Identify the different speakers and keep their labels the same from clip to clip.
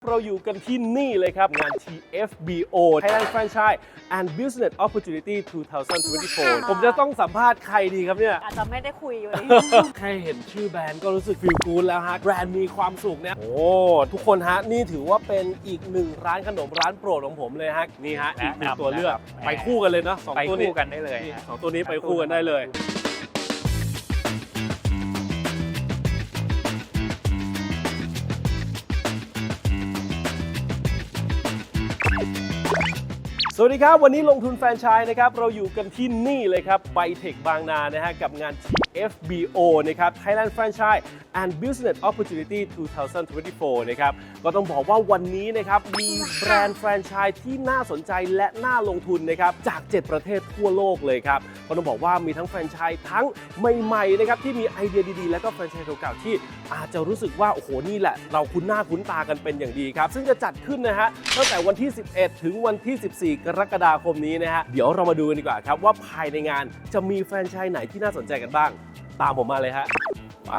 Speaker 1: เราอยู่กันที่นี่เลยครับงาน TFBO Thailand Franchise and Business Opportunity 2024 ผมจะต้องสัมภาษณ์ใครดีครับเนี่ย
Speaker 2: อาจจะไม่ได้คุยวันนี้
Speaker 1: แค่เห็นชื่อแบรนด์ก็รู้สึกฟีลกู๊ดแล้วฮะแบรนด์มีความสุขเนี่ยโอ้ทุกคนฮะนี่ถือว่าเป็นอีกหนึ่งร้านขนมร้านโปรดของผมเลยฮะนี่ฮะอีกหนึ่งตัวเลือกไปคู่กันเลยเนาะสอง
Speaker 3: ไป
Speaker 1: ตัวนี้
Speaker 3: คู่กันได้เลย
Speaker 1: นี่
Speaker 3: ฮะ
Speaker 1: สองตัวนี้ไปคู่กันได้เลย สวัสดีครับวันนี้ลงทุนแฟรนไชส์นะครับเราอยู่กันที่นี่เลยครับไบเทคบางนานะฮะกับงาน TFBO นะครับ Thailand Franchise and Business Opportunity 2024 นะครับก็ต้องบอกว่าวันนี้นะครับมีแบรนด์แฟรนไชส์ที่น่าสนใจและน่าลงทุนนะครับจาก 7 ประเทศทั่วโลกเลยครับก็ต้องบอกว่ามีทั้งแฟรนไชส์ทั้งใหม่ๆนะครับที่มีไอเดียดีๆและก็แฟรนไชส์เก่าๆที่อาจจะรู้สึกว่าโอ้โหนี่แหละเราคุ้นหน้าคุ้นตากันเป็นอย่างดีครับซึ่งจะจัดขึ้นนะฮะตั้งแต่วันที่ 11 ถึงวันที่ 14 กรกฎาคมนี้นะฮะเดี๋ยวเรามาดูกันดีกว่าครับว่าภายในงานจะมีแฟรนไชส์ไหนที่น่าสนใจกันบ้างตามผมมาเลยฮะไป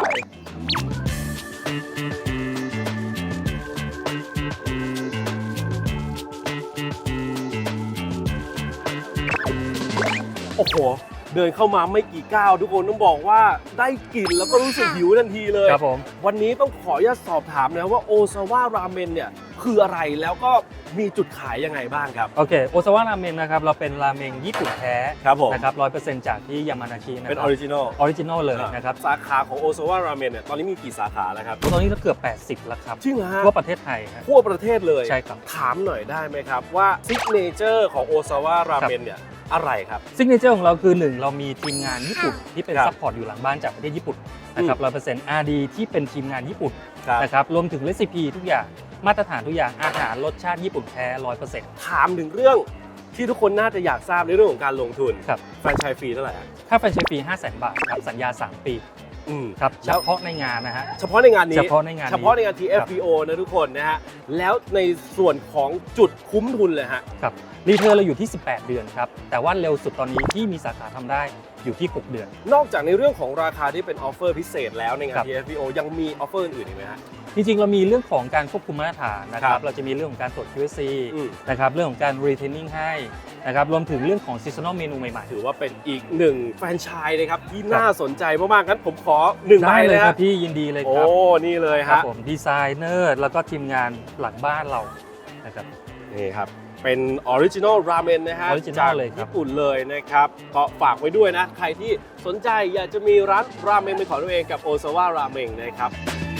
Speaker 1: โอ้โหเดินเข้ามาไม่กี่ก้าวทุกคนต้องบอกว่าได้กลิ่นแล้วก็รู้สึกหิวทันทีเลย
Speaker 3: ครับผม
Speaker 1: วันนี้ต้องขออนุญาตสอบถามนะว่าโอซาวะราเมนเนี่ยคืออะไรแล้วก็มีจุดขายยังไงบ้างครับ
Speaker 3: โอเคโอซาวะราเมนนะครับเราเป็นราเมงญี่ปุ่นแท้
Speaker 1: ครับผม
Speaker 3: นะครับ 100% จากที่ยามานาชินะ
Speaker 1: เป็น
Speaker 3: ค
Speaker 1: อ
Speaker 3: รั
Speaker 1: อบ ริจินอล
Speaker 3: ออริจินอลเลยนะครับ
Speaker 1: สาขาของโอซาวะราเมนเนี่ยตอนนี้มีกี่สาขาแล้วครับ
Speaker 3: ตอนนี้เราเกือบ 80 แล้วครับ
Speaker 1: จริงเหรอฮะ
Speaker 3: ทั่วประเทศไทยฮะ
Speaker 1: ทั่วประเทศเลย
Speaker 3: ใช่ครับ
Speaker 1: ถามหน่อยได้ไหมครับว่าซิกเนเจอร์ของโอซาวะราเมนเนี่ยอะไรครับ
Speaker 3: ซิกเนเจอร์ของเราคือ 1 เรามีทีมงานญี่ปุ่นที่เป็น
Speaker 1: ครับ
Speaker 3: ซัพพอร์ตอยู่หลังบ้านจากประเทศญี่ปุ่นนะครับ 100% RD ที่เป็นทีมงานญี่ปุ่น
Speaker 1: ครับ
Speaker 3: นะครับรวมถึงเรซิปีทุกอย่างมาตรฐานทุกอย่างอาหารรสชาติญี่ปุ่นแท้ 100%
Speaker 1: ถามถึงเรื่องที่ทุกคนน่าจะอยากทราบในเรื่องของการลงทุน
Speaker 3: ครับ
Speaker 1: แฟรนไชส์ฟรีเท่าไหร่ฮะ
Speaker 3: ค่าแฟรนไชส์ฟรี 500,000 บาทครับสัญญา 3 ปีครับเฉ
Speaker 1: แล้ว
Speaker 3: พาะในงานนะฮะ
Speaker 1: เฉพาะในงานนี้
Speaker 3: เฉพาะในงานนี้
Speaker 1: เฉพาะในงาน TFBO นะทุกคนนะฮะแล้วในส่วนของจุดคุ้มทุนเลยฮะ
Speaker 3: ครับรีเทิร์นเราอยู่ที่ 18 เดือนครับ แต่ว่าเร็วสุดตอนนี้ที่มีสาขาทำได้อยู่ที่ 6 เดือน
Speaker 1: นอกจากในเรื่องของราคาที่เป็นออฟเฟอร์พิเศษแล้วในงา
Speaker 3: ครั
Speaker 1: น
Speaker 3: บ
Speaker 1: TFBO ยังมีออฟเฟอร์อื่นอีกไหมฮะ
Speaker 3: จริงๆ เรามีเรื่องของการควบคุมมาตรฐานนะค
Speaker 1: ครั
Speaker 3: รับ
Speaker 1: บ
Speaker 3: เราจะมีเรื่องของการตรวจ QC
Speaker 1: อืม
Speaker 3: นะครับ เรื่องของการ retaining ให้นะครับ รวมถึงเรื่องของ seasonal เมนูใหม่ๆ
Speaker 1: ถือว่าเป็นอีกหนึ่งแฟรนไชส์นะครับที่น่าสนใจมากๆงั้นผมขอ1ใบ
Speaker 3: ได้
Speaker 1: เล
Speaker 3: เลย ยค
Speaker 1: ฮะ
Speaker 3: รับพี่ยินดีเลย
Speaker 1: โอ้
Speaker 3: ครับ
Speaker 1: นี่เลย
Speaker 3: ครับ
Speaker 1: ฮะ
Speaker 3: ผมดีไซเนอร์แล้วก็ทีมงานหลังบ้านเรานะครับ
Speaker 1: นี่ครับเป็นออริจินอลราเมนนะฮะ
Speaker 3: Original
Speaker 1: จาก
Speaker 3: เลยครับ
Speaker 1: ญี่ปุ่นเลยนะครับก็ฝากไว้ด้วยนะใครที่สนใจอยากจะมีร้านราเมนเป็นของตัวเองกับโอซาวะราเมงนะครับ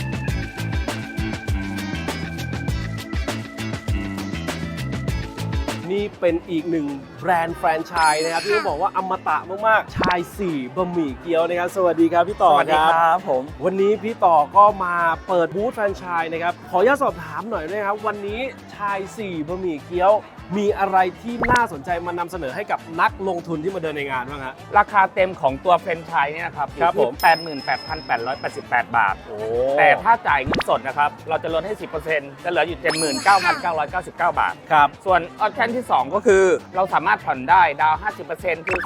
Speaker 1: นี่เป็นอีกหนึ่งแบรนด์แฟรนไชส์นะครับที่ต้องบอกว่าอมตะมากๆชาย4บะหมี่เกี๊ยวนะครับสวัสดีครับพี่ต่อครับ
Speaker 3: ผม
Speaker 1: วันนี้พี่ต่อก็มาเปิดบูธแฟรนไชส์นะครับขออนุญาตสอบถามหน่อยนะครับวันนี้ชาย4บะหมี่เกี๊ยวมีอะไรที่น่าสนใจมานำเสนอให้กับนักลงทุนที่มาเดินในงานบ้างฮะ
Speaker 4: ราคาเต็มของตัวแฟรนไชส์เนี่ยนะครับอ
Speaker 1: ครับ
Speaker 4: ยู่
Speaker 1: ผม
Speaker 4: ที่ 88,888 บาท
Speaker 1: โอ้
Speaker 4: แต่ถ้าจ่ายเงินสดนะครับ เราจะลดให้ 10%จะเหลืออยู่ 79,999 บาท
Speaker 1: ครับ
Speaker 4: ส่วนออปชั่นที่ 2 ก็คือเราสามารถผ่อนได้ดาวน์ 50%คือ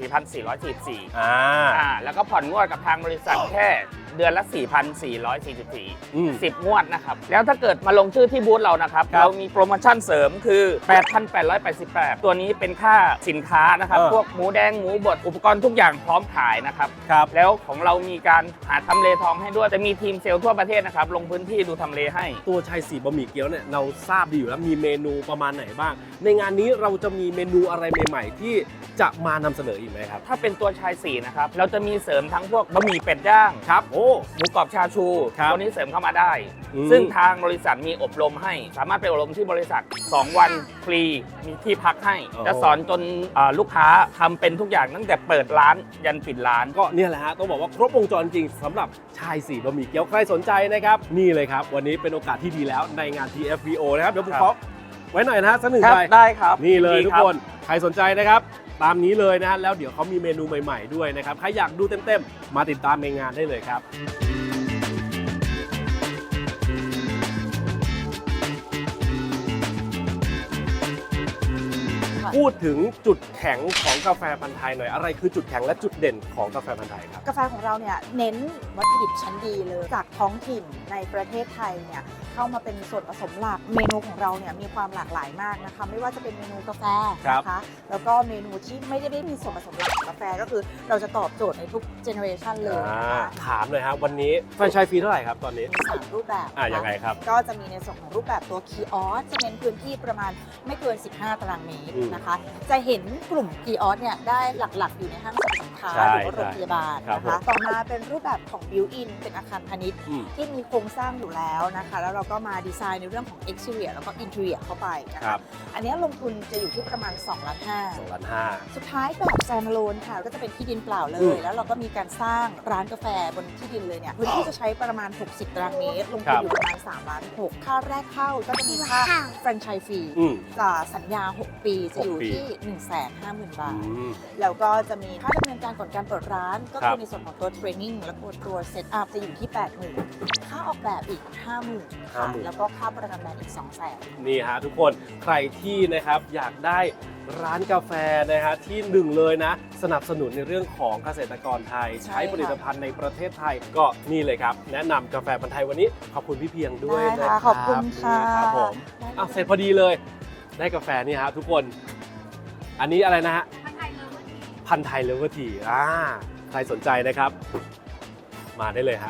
Speaker 4: 44,444 แล้วก็ผ่อนงวดกับทางบริษัทแค่เดือนละ 4,444 10 งวดนะครับ แล้วถ้าเกิดมาลงชื่อที่บูธเรานะครับ
Speaker 1: ครับ
Speaker 4: เรามีโปรโมชั่นเสริมคือ 8,888 ตัวนี้เป็นค่าสินค้านะครับ พวกหมูแดง หมูบด อุปกรณ์ทุกอย่างพร้อมขายนะครับ
Speaker 1: ครับ
Speaker 4: แล้วของเรามีการหาทำเลทองให้ด้วย จะมีทีมเซลล์ทั่วประเทศนะครับ ลงพื้นที่ดูทำเลให้
Speaker 1: ตัวชาย4บะหมี่เกี๊ยวเนี่ยเราทราบดีอยู่แล้วมีเมนูประมาณไหนบ้าง ในงานนี้เราจะมีเมนูอะไรใหม่ๆ ที่จะมานำเสนออีกไหมครับ
Speaker 4: ถ้าเป็นตัวชาย4นะครับ เราจะมีเสริมทั้งพวกบะหมี่เป็ดย่าง
Speaker 1: ครับโอ้
Speaker 4: หมูกรอบชาชู
Speaker 1: ครับ
Speaker 4: ตัวนี้เสริมเข้ามาได้
Speaker 1: อืม
Speaker 4: ซึ่งทางบริษัทมีอบรมให้ สามารถไปอบรมที่บริษัท 2 วันฟรี มีที่พักให้ จะสอนจนลูกค้าทำเป็นทุกอย่างตั้งแต่เปิดร้านยันปิดร้าน
Speaker 1: ก็เนี่ยแหละฮะต้องบอกว่าครบวงจรจริงสำหรับชาย4บะหมี่เกี๊ยวใครสนใจนะครับนี่เลยครับวันนี้เป็นโอกาสที่ดีแล้วในงาน TFBO นะครับเดี๋ยวผม
Speaker 4: ครับ
Speaker 1: ขอไว้หน่อยนะฮะสักหนึ่ง
Speaker 4: ครับ
Speaker 1: ใบ
Speaker 4: ได้ครับ
Speaker 1: นี่เลย
Speaker 4: ดี
Speaker 1: ทุก
Speaker 4: รับ
Speaker 1: คนใครสนใจนะครับตามนี้เลยนะฮะแล้วเดี๋ยวเขามีเมนูใหม่ๆด้วยนะครับใครอยากดูเต็มๆมาติดตามในงานได้เลยครับ พูดถึงจุดแข็งของกาแฟพันธุ์ไทยหน่อยอะไรคือจุดแข็งและจุดเด่นของกาแฟพันธุ์ไทยครับ
Speaker 2: กาแฟของเราเนี่ยเน้นวัตถุดิบชั้นดีเลยจากท้องถิ่นในประเทศไทยเนี่ยเข้ามาเป็นส่วนผสมหลักเมนูของเราเนี่ยมีความหลากหลายมากนะคะไม่ว่าจะเป็นเมนูกาแฟนะคะแล้วก็เมนูที่ไม่ได้มีส่วนผสมหลักของกาแฟก็คือเราจะตอบโจทย์ในทุกเจเนอเรชันเลยนะคะ
Speaker 1: ถามเลยครับวันนี้แฟรนไชส์ฟรีเท่าไหร่ครับตอนนี้
Speaker 2: มี3รูปแบบนะคะ
Speaker 1: ยังไงครับ
Speaker 2: ก็จะมีในส่วนของรูปแบบตัวคีออสจะเน้นพื้นที่ประมาณไม่เกิน 15 ตารางเมตรนะคะจะเห็นกลุ่มคีออสเนี่ยได้หลักๆอยู่ในห้างสรรพสินค้าหรือว่าโรงพยาบาลนะคะต่อมาเป็นรูปแบบของบิวอินเป็นอาคารพาณิชย์ที่มีโครงสร้างอยู่แล้วนะคะแล้วเราก็มาดีไซน์ในเรื่องของ exterior แล้วก็ interior เข้าไปนะคะอันนี้ลงทุนจะอยู่ที่ประมาณ2 ล้าน
Speaker 1: 2 ล้าน 5
Speaker 2: สุดท้ายแบบ standalone ค่ะก็จะเป็นที่ดินเปล่าเลย แล้วเราก็มีการสร้างร้านกาแฟบนที่ดินเลยเนี่ยพื้นที่จะใช้ประมาณ60 ตารางเมตรลงทุนอยู่ประมาณ3 ล้าน 6ค่าแรกเข้าก็จะมีค่าแฟรนไชส์ฟรีสัญญา 6 ปีจะอยู่ที่ 150,000 บาทแล้วก็จะมีค่าดำเนินการก่อนการเปิดร้านก็คือในส่วนของตัวเทรนนิ่งแล้วก็ตัวเซตอัพจะอยู่ที่ 80,000 ค่าออกแบบอีก 50,000 ค่ะแล้วก็ค่าประกันแบรนด์อีก 200,000
Speaker 1: นี่ฮะทุกคนใครที่นะครับอยากได้ร้านกาแฟนะฮะที่หนึ่งเลยนะสนับสนุนในเรื่องของเกษตรกรไทยใช้ผลิตภัณฑ์ในประเทศไทยก็นี่เลยครับแนะนำกาแฟพันธุ์ไทยวันนี้ขอบคุณพี่เพียงด้วยนะครับ
Speaker 2: ขอบคุณค่ะ
Speaker 1: ครับผมเสร็จพอดีเลยได้กาแฟนี่ฮะทุกคนอันนี้อะไรนะฮะพันธุ์ไทยเลเวอร์ทีใครสนใจนะครับมาได้เลยฮะ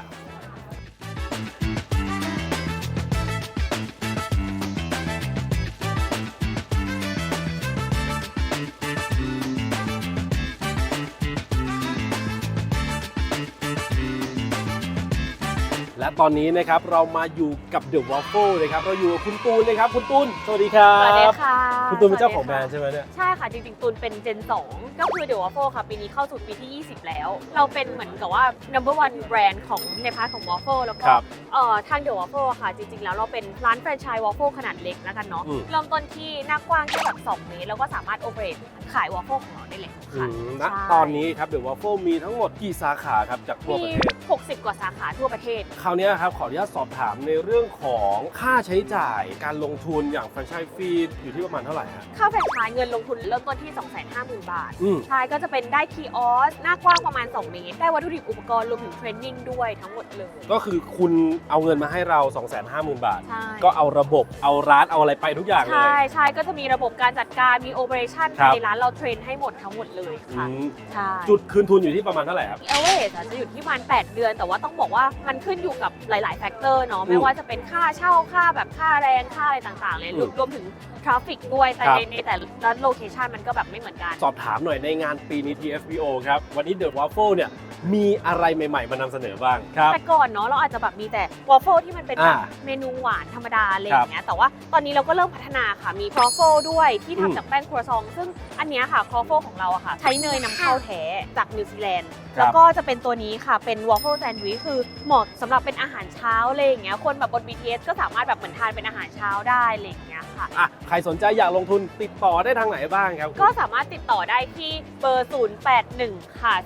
Speaker 1: และตอนนี้นะครับเรามาอยู่กับ The Waffle นะครับเราอยู่กับคุณตูนนะครับคุณตูนสวัสดีครับ
Speaker 5: สวัสดีค่ะ
Speaker 1: คุณตูนเป็นเจ้าของแบรนด์ใช่ไหมเนี่ย
Speaker 5: ใช่ค่ะจริงๆตูนเป็น Gen 2 ก็คือ The Waffle ค่ะปีนี้เข้าสู่ปีที่ 20 แล้ว เราเป็นเหมือนกับว่า number one แบรนด์ของในพาร์ทของ Waffle แล้วก็ทาง The Waffle ค่ะจริงๆแล้วเราเป็นร้านแฟรนไชส์ Waffle ขนาดเล็กแล้วกันเนาะเริ่มต้นที่หน้ากว้างแค่แบบ2 เมตรแล้วก็สามารถ operate ขาย Waffle ของเราได้เลยค่ะ
Speaker 1: ณตอนนี้ครับ The Waffle มีทั้งหมดกี่สาขาครับจากทั่วประเทศ
Speaker 5: 60 กว่าสาขาทั่วประเทศ
Speaker 1: คราวนี้ครับขออนุญาตสอบถามในเรื่องของค่าใช้จ่ายการลงทุนอย่างแฟรนไชส์ฟรีอยู่ที่ประมาณเท่าไหร่ฮะ
Speaker 5: ค่าแฟรนไชส์เงินลงทุนเริ่มต้นที่ 250,000 บาท
Speaker 1: อืม
Speaker 5: ใช่ก็จะเป็นได้คีออสหน้ากว้างประมาณ 2 เมตร ได้วัตถุดิบอุปกรณ์รวมถึงเทรนนิ่งด้วยทั้งหมดเลย
Speaker 1: ก็คือคุณเอาเงินมาให้เรา 250,000 บาท
Speaker 5: ใช่
Speaker 1: ก็เอาระบบเอาร้านเอาอะไรไปทุกอย่างเลย
Speaker 5: ใช่ก็จะมีระบบการจัดการมีโอเปอเรชั่น
Speaker 1: ครับ
Speaker 5: ในร้านเราเทรนให้หมดทั้งหมดเลยค่ะ ใช่
Speaker 1: จุดคืนทุนอยู่ที่ประมาณเท่าไหร่ครับ
Speaker 5: เอเวอเรสจะอยู่ที่ประมาณ8 เดือน แต่ว่าต้องบอกว่ามันขึ้นอยู่กับหลาย ๆ แฟกเตอร์เนาะไม่ว่าจะเป็นค่าเช่าค่าแบบค่าแรงค่าอะไรต่าง ๆ เลยรวมถึงทราฟฟิกด้วยแต่ในแต่ละโลเคชันมันก็แบบไม่เหมือนกัน
Speaker 1: สอบถามหน่อยในงานปีนี้ TFBO ครับวันนี้ The Waffle เนี่ยมีอะไรใหม่ๆมานำเสนอบ้างครับ
Speaker 5: แต่ก่อนเนาะเราอาจจะแบบมีแต่วอฟเฟิลที่มันเป็นแบบเมนูหวานธรรมดาอะไรอย่างเงี้ยแต่ว่าตอนนี้เราก็เริ่มพัฒนาค่ะมีครอฟเฟิลด้วยที่ทำจากแป้งครัวซองซึ่งอันเนี้ยค่ะครอฟเฟิลของเราอะค่ะใช้เนยนำเข้าแท้จากนิวซีแลนด์แล้วก็จะเป็นตัวนี้ค่ะเป็นวอฟเฟิลแซนด์วิชคือเหมาะสำหรับเป็นอาหารเช้าอะไรอย่างเงี้ยคนแบบบน BTS ก็สามารถแบบเหมือนทานเป็นอาหารเช้าได้อะไรอย่างเงี้ยค่ะ
Speaker 1: ใครสนใจอยากลงทุนติดต่อได้ทางไหนบ้างครับ
Speaker 5: ก็สามารถติดต่อได้ที่เบอร์ 081 ค่ะ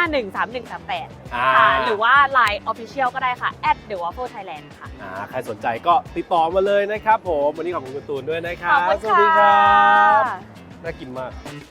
Speaker 5: 3513138 ค่ะ หรือว่า Line Official ก็ได้ค่ะ @TheWaffleThailand ค่ะ
Speaker 1: ใครสนใจก็ติดต่อมาเลยนะครับผมวันนี้ขอบคุณคุณตูนด้วยนะครับ
Speaker 5: ขอบคุณ
Speaker 1: สวัสดีครั
Speaker 5: ค่ะ
Speaker 1: บน่ากินมาก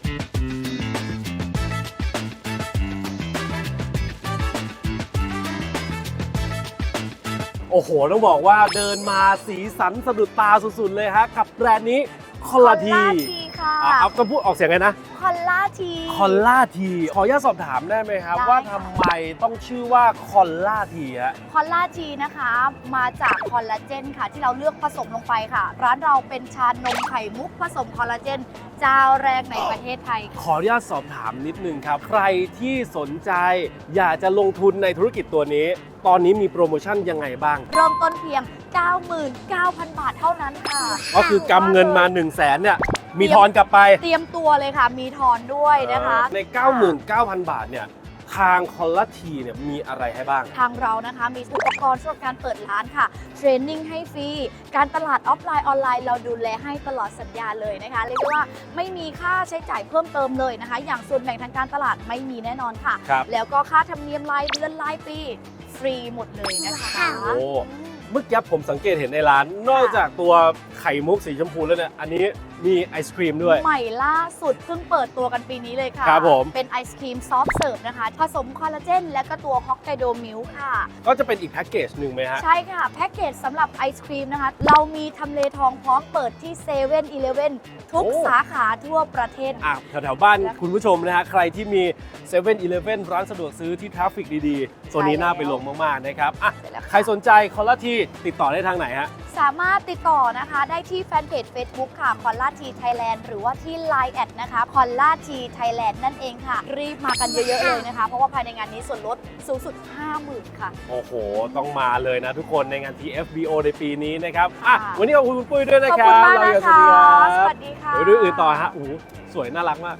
Speaker 1: โอ้โห ต้องบอกว่าเดินมาสีสันสะดุดตาสุดๆเลยฮะกับแบรนด์นี้คอลลาที
Speaker 2: ค่ะ
Speaker 1: เอาก็พูดออกเสียงไงนะ
Speaker 2: คอลลาที
Speaker 1: คอลลาทีขออนุญาตสอบถามได้ไหมครับ
Speaker 2: ได้
Speaker 1: ว่าทำไมต้องชื่อว่าคอลลาทีฮะ
Speaker 6: คอลลาจีนะคะมาจากคอลลาเจนค่ะที่เราเลือกผสมลงไปค่ะ ร้านเราเป็นชานมไข่มุกผสมคอลลาเจนเจ้าแรกในประเทศไทยค่ะ
Speaker 1: ขออนุญาตสอบถามนิดนึงครับ ใครที่สนใจอยากจะลงทุนในธุรกิจตัวนี้ ตอนนี้มีโปรโมชั่นยังไงบ้าง
Speaker 6: เริ่มต้นเพียง 99,000 บาทเท่านั้นค่ะ
Speaker 1: ก็คือกำเงินมา 1 0 0 0 0แสนเนี่ยมีทอนกลับไป
Speaker 6: เตรียมตัวเลยค่ะ มีทอนด้วยนะคะ
Speaker 1: ใน 99,000 บาทเนี่ยทางคอลลาทีเนี่ยมีอะไรให้บ้าง
Speaker 6: ทางเรานะคะมีอุปกรณ์สำหรับการเปิดร้านค่ะ เทรนนิ่งให้ฟรี การตลาดออฟไลน์ออนไลน์เราดูแลให้ตลอดสัญญาเลยนะคะเรียกได้ว่าไม่มีค่าใช้จ่ายเพิ่มเติมเลยนะคะ อย่างส่วนแบ่งทางการตลาดไม่มีแน่นอนค่ะ
Speaker 1: ครับ
Speaker 6: แล้วก็ค่าธรรมเนียมรายเดือนรายปีฟรีหมดเลยนะคะ
Speaker 1: โอ้เมื่อกี้ผมสังเกตเห็นในร้าน นอกจากตัวไข่มุกสีชมพูแล้วเนี่ยอันนี้มีไอศครีมด้วย
Speaker 6: ใหม่ล่าสุดเพิ่งเปิดตัวกันปีนี้เลยค่ะ
Speaker 1: ครับผม
Speaker 6: เป็นไอศครีมซอฟต์เสิร์ฟนะคะ ผสมคอลลาเจนและก็ตัวฮอกไกโดมิลค์ค่ะ
Speaker 1: ก็จะเป็นอีกแพ็กเกจหนึ่งไหมฮะ
Speaker 6: ใช่ค่ะ แพ็กเกจสำหรับไอศครีมนะคะ เรามีทำเลทองพร้อมเปิดที่เซเว่นอีเลฟเว่นทุก
Speaker 1: โอ้
Speaker 6: สาขาทั่วประเทศ
Speaker 1: แถวๆบ้านคุณผู้ชมนะฮะใครที่มี7 e เ e ่ e ร้านสะดวกซื้อที่ทราฟฟิกดีๆโซนนี้น่าไปลงมากๆนะครับอ่ะ
Speaker 6: ใช่แล้วค่ะ
Speaker 1: ใครสนใจคอลลาทีติดต่อได้ทางไหนฮะ
Speaker 6: สามารถติดต่อนะคะได้ที่แฟนเพจ Facebook ค่ะคอลลาทีไทยแลนด์หรือว่าที่ Line แอดนะคะคอลลาทีไทยแลนด์นั่นเองค่ะ รีบมากันเยอะ ๆ เลยนะคะ เพราะว่าภายในงานนี้ส่วนลดสูงสุด 50,000 ค่ะ
Speaker 1: โอ้โห ต้องมาเลยนะทุกคนในงาน TFBO ในปีนี้นะครับอ่ะ
Speaker 6: ค่ะ
Speaker 1: วันนี้ขอบคุณคุณปุ้ยด้วยนะ
Speaker 6: ขอบ
Speaker 1: ค
Speaker 6: คุ
Speaker 1: รั
Speaker 6: ณ
Speaker 1: บ
Speaker 6: มาก
Speaker 1: เรา
Speaker 6: นะ
Speaker 1: อย่าส
Speaker 6: คะ
Speaker 1: วัสดีครับ
Speaker 6: สวัสดีค่ะ
Speaker 1: เดี๋ยวดูอื่นต่อฮะโอ้โหสวยน่ารักมาก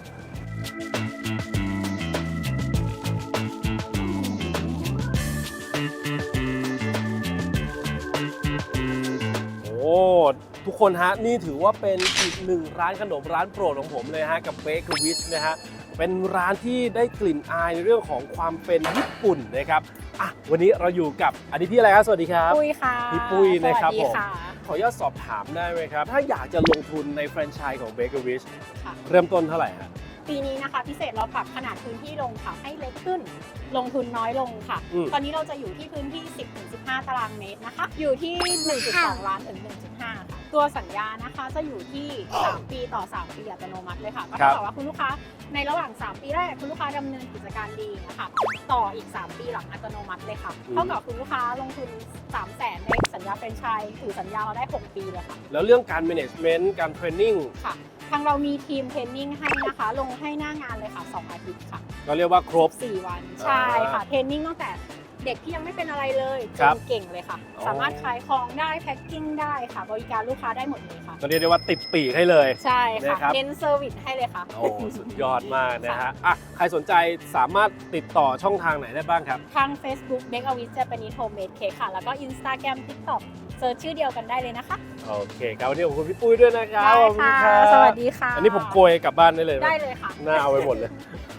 Speaker 1: โอ้ทุกคนฮะนี่ถือว่าเป็นอีกหนึ่งร้านขนมร้านโปรดของผมเลยฮะกับ Baker Wish นะฮะเป็นร้านที่ได้กลิ่นอายในเรื่องของความเป็นญี่ปุ่นนะครับอ่ะวันนี้เราอยู่กับอันนี้พี่อะไรครับสวัสดีครับ
Speaker 7: ปุ้ยค่ะ
Speaker 1: พี่ปุ้ยนะครับ
Speaker 7: สวัสดี
Speaker 1: ผม
Speaker 7: ค่ะ
Speaker 1: ขออนุญาตสอบถามได้ไหมครับ ถ้าอยากจะลงทุนในแฟรนไชส์ของ Baker Wish
Speaker 7: ค่ะ
Speaker 1: เริ่มต้นเท่าไหร่ฮะ
Speaker 7: ปีนี้นะคะพิเศษเราปรับขนาดพื้นที่ลงค่ะให้เล็กขึ้น ลงทุนน้อยลงค่ะ ตอนนี้เราจะอยู่ที่พื้นที่ 10-15 ตารางเมตรนะคะ อยู่ที่ 1.2 ล้านถึง 1.5 ค่ะ ตัวสัญญานะคะจะอยู่ที่ 3 ปีต่อ 3 ปีอัตโนมัติเลยค่ะ ก็เท่ากับว่าคุณลูกค้าในระหว่าง 3 ปีแรกคุณลูกค้าดำเนินกิจการดีนะคะ ต่ออีก 3 ปีหลังอัตโนมัติเลยค่ะ เท่ากับคุณลูกค้าลงทุน 300,000 ในสัญญาแฟรนไชส์ถือสัญญาเราได้ 6 ปีเลยค่ะ
Speaker 1: แล้วเรื่องการ management การเทรนนิ่ง
Speaker 7: ค่ะ ทางเรามีทีมเทรนนิ่งให้นะคะ ลงให้หน้างานเลยค่ะ 2 อาทิตย์ค่ะ
Speaker 1: ก็เรียกว่าครบ
Speaker 7: 4 วัน ใช่ค่ะ เทรนนิ่งตั้งแต่เด็กที่ยังไม่เป็นอะไรเลยจ
Speaker 1: ครั
Speaker 7: น
Speaker 1: บ
Speaker 7: เก่งเลยค่ะ
Speaker 1: อ๋อ
Speaker 7: สามารถขายของได้แพ็คกิ้งได้ค่ะ บริการลูกค้าได้หมดเลยค่ะ
Speaker 1: ก็เรียกได้ว่าติดปีกให้เลย
Speaker 7: ใช่ค่ะ
Speaker 1: นะครับ
Speaker 7: เน้นเซอร์วิสให้เลยค่ะ
Speaker 1: โอ้สุดยอดมากนะฮะอ่ะใครสนใจสามารถติดต่อช่องทางไหนได้บ้างครับ
Speaker 7: ทาง Facebook Bake a Wish Japanese Homemade Cake ค่ะ แล้วก็ Instagram TikTok เซิร์ชชื่อเดียวกันได้เลยนะคะ
Speaker 1: โอเคครับวันนี้ขอบคุณพี่ปุ้ยด้วยนะครับขอบณ
Speaker 7: ค่ะ
Speaker 1: รับ
Speaker 7: สวัสดีค่ะ
Speaker 1: อันนี้ผมโกยกลับบ้านได้เลยหม
Speaker 7: ได้เลยค่ะ
Speaker 1: หน้าเอาไว้หมดเลย